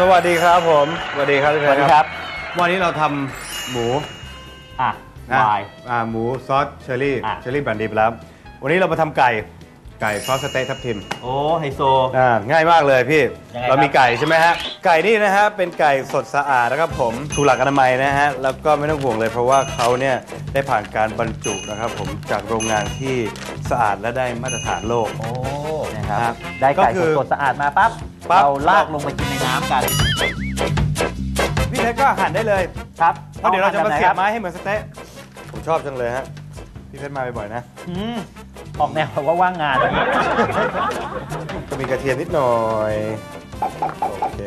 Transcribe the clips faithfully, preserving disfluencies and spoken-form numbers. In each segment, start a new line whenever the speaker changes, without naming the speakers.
วัสดีครับผมสวัสดีครับพี่แพทย์ครับวันนี้เราทำหมู
อ่ะวาย
อ่าหมูซอสเชอร์รี่เชอร์รี่บันดีไปแล้ววันนี้เรามาทำไก่ไก่ซอสสเต๊กทับทิม
โอ้ไฮโซ
อ่าง่ายมากเลยพี่เรามีไก่ใช่ไหมฮะไก่นี่นะฮะเป็นไก่สดสะอาดนะครับผมถูกหลักอนามัยนะฮะแล้วก็ไม่ต้องห่วงเลยเพราะว่าเขาเนี่ยได้ผ่านการบรรจุนะครับผมจากโรงงานที่สะอาดและได้มาตรฐานโลก
โอ้นะครับได้ไก่สดสะอาดมาปั๊บเราลากลงไปกินในน้ำกัน
พี่เพชรก็หั่นได้เลย
ครับ
เพราะเดี๋ยวเราจะมาเสียบไม้ให้เหมือนสเต๊ะผมชอบจังเลยฮะพี่เพชรมาบ่อยๆนะ
ออกแนวว่าว่างงาน
ก็มีกระเทียมนิดหน่อยโอเค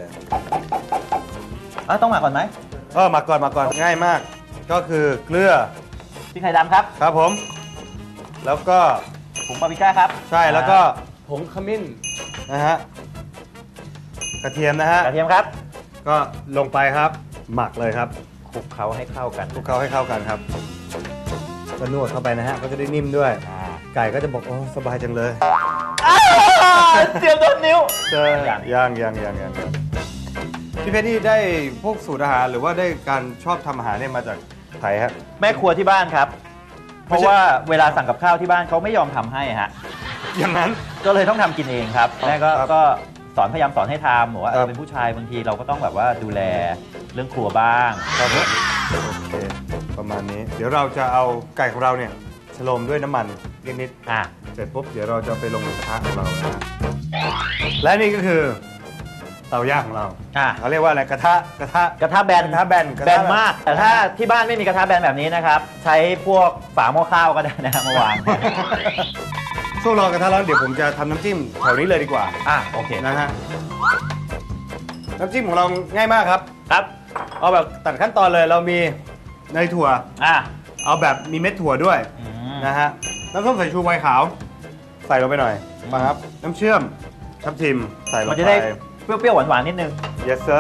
เออต้องหมักก่อนไหม
เออหมักก่อนหมักก่อนง่ายมากก็คือเกลือ
พริกไทยดำครับ
ครับผมแล้วก็
ผงปาปริก้าครับ
ใช่แล้วก็ผงขมิ้นนะฮะกระเทียมนะฮะ
กระเทียมครับ
ก็ลงไปครับหมักเลยครับ
คลุกเคล้าให้เข้ากัน
คลุกเคล้าให้เข้ากันครับก็นวดเข้าไปนะฮะก็จะได้นิ่มด้วยไก่ก็จะบอกโอ้สบายจังเลย
เจียวโดนนิ้ว
เจอยังยังยังยังพี่เพชรนี่ได้พวกสูตรอาหารหรือว่าได้การชอบทำอาหารเนี่ยมาจากไทยครับ
แม่ครัวที่บ้านครับเพราะว่าเวลาสั่งกับข้าวที่บ้านเขาไม่ยอมทำให้ฮะ
อย่างนั้น
ก็เลยต้องทำกินเองครับแม่ก็ก็สอนพยายามสอนให้ทำบอกว่าเป็นผู้ชายบางทีเราก็ต้องแบบว่าดูแลเรื่องครัวบ้าง
ครับโอเคประมาณนี้เดี๋ยวเราจะเอาไก่ของเราเนี่ยฉโลมด้วยน้ำมันนิดๆอ่ะเสร็จปุ๊บเดี๋ยวเราจะไปลงกระทะของเรานะและนี่ก็คือเตาย่างของเราอ่ะเขาเรียกว่าอะไรกระทะกระทะ
กระทะแบน
กระทะแบน
แบนมากแต่ถ้าที่บ้านไม่มีกระทะแบนแบบนี้นะครับใช้พวกฝาหม้อข้าวก็ได้นะมาวาง
ช่วงรอกระทะร้อนเดี๋ยวผมจะทำน้ำจิ้มแถวนี้เลยดีกว่า
อ่ะโอเค
นะฮะน้ำจิ้มของเราง่ายมากครับ
ครับ
เอาแบบตัดขั้นตอนเลยเรามีเนยถั่ว
อ่ะ
เอาแบบมีเม็ดถั่วด้วยนะฮะน้ำส้มสายชูไวน์ขาวใส่ลงไปหน่อยมาครับน้ำเชื่อมทับทิมใส่ลงไป
มันจะได้เปรี้ยวๆหวานๆนิดนึง
yes sir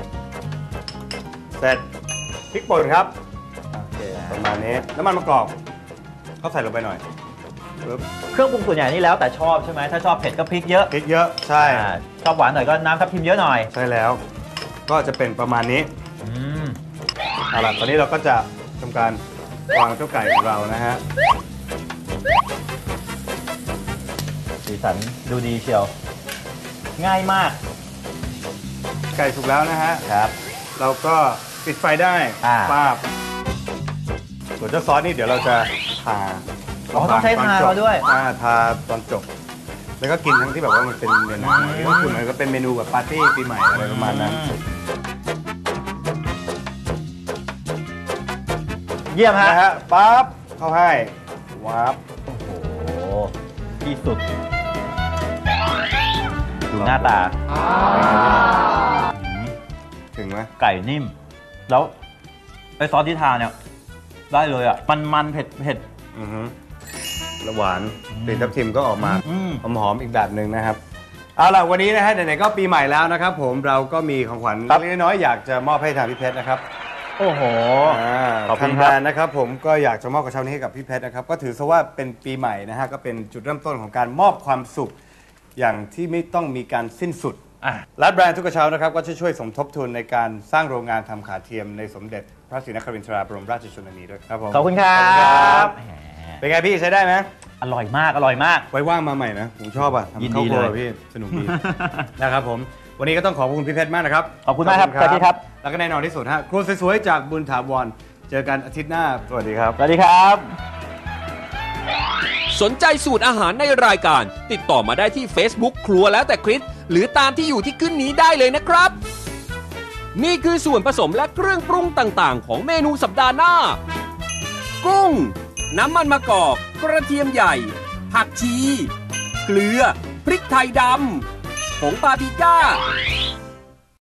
เสร็จพริกป่นครับโอเคประมาณนี้น้ำมันมะกอกเขาใส่ลงไปหน่อย
เครื่องปรุงส่วนใหญ่นี่แล้วแต่ชอบใช่ไหมถ้าชอบเผ็ดก็พริกเยอะ
พริกเยอะใช่
ชอบหวานหน่อยก็น้ำทับทิมเยอะหน่อย
ใช่แล้วก็จะเป็นประมาณนี้เอาล่ะตอนนี้เราก็จะทำการวางเจ้าไก่ของเรานะฮะ
สีสันดูดีเชียวง่ายมาก
ไก่สุกแล้วนะฮะ
ครับ
เราก็ปิดไฟได้ป้าบส่วนเจ้าซอสนี่เดี๋ยวเราจะทา
อ๋อต้องใช้ทาเราด้วย
ทาตอนจบแล้วก็กินทั้งที่แบบว่ามันเป็นเมนูที่ก็คือมันก็เป็นเมนูแบบปาร์ตี้ปีใหม่อะไรประมาณนั้น
เยี่ยมฮะ
นะฮะปั๊บเข้าให้วับ
โอ้โหที่สุดดูหน้าตา
ถึงไหม
ไก่นิ่มแล้วไอซอสที่ทาเนี่ยได้เลยอ่ะมันมันเผ็ดเผ็ด
แล้วหวานกลิ่นทับทิมก็ออกมาหอมหอมอีกแบบหนึ่งนะครับเอาล่ะวันนี้นะฮะไหนๆก็ปีใหม่แล้วนะครับผมเราก็มีของขวัญเล็กน้อยอยากจะมอบให้ทางพี่เพชรนะครับ
โอ้โห
ทางการนะครับผมก็อยากจะมอบกระเช้านี้ให้กับพี่เพชรนะครับก็ถือซะว่าเป็นปีใหม่นะฮะก็เป็นจุดเริ่มต้นของการมอบความสุขอย่างที่ไม่ต้องมีการสิ้นสุดร้านแบรนด์ทุกกระเช้านะครับก็จะช่วยสมทบทุนในการสร้างโรงงานทำขาเทียมในสมเด็จพระศรีนครินทราบรมราชชนนีด้วยครับผม
ขอบคุณครับ
เป็นไงพี่ใช้ได้ไหม
อร่อยมากอร่อยมาก
ไว้ว่างมาใหม่นะผมชอบอ่ะ
ยินดีเลย
พี่สนุกดีนะครับผมวันนี้ก็ต้องขอบคุณพี่เพชรมากนะครับ
ขอบคุณมากครับสวัสดีครับ
แล้วก็แน่นอนที่สุดฮะครัวสวยๆจากบุญถาวรเจอกันอาทิตย์หน้าสวัสดีครับ
สวัสดีครับ
สนใจสูตรอาหารในรายการติดต่อมาได้ที่ Facebook ครัวแล้วแต่คริสหรือตามที่อยู่ที่ขึ้นนี้ได้เลยนะครับนี่คือส่วนผสมและเครื่องปรุงต่างๆของเมนูสัปดาห์หน้ากุ้งน้ำมันมะกอกกระเทียมใหญ่ผักชีเกลือพริกไทยดำผงปาปริก้า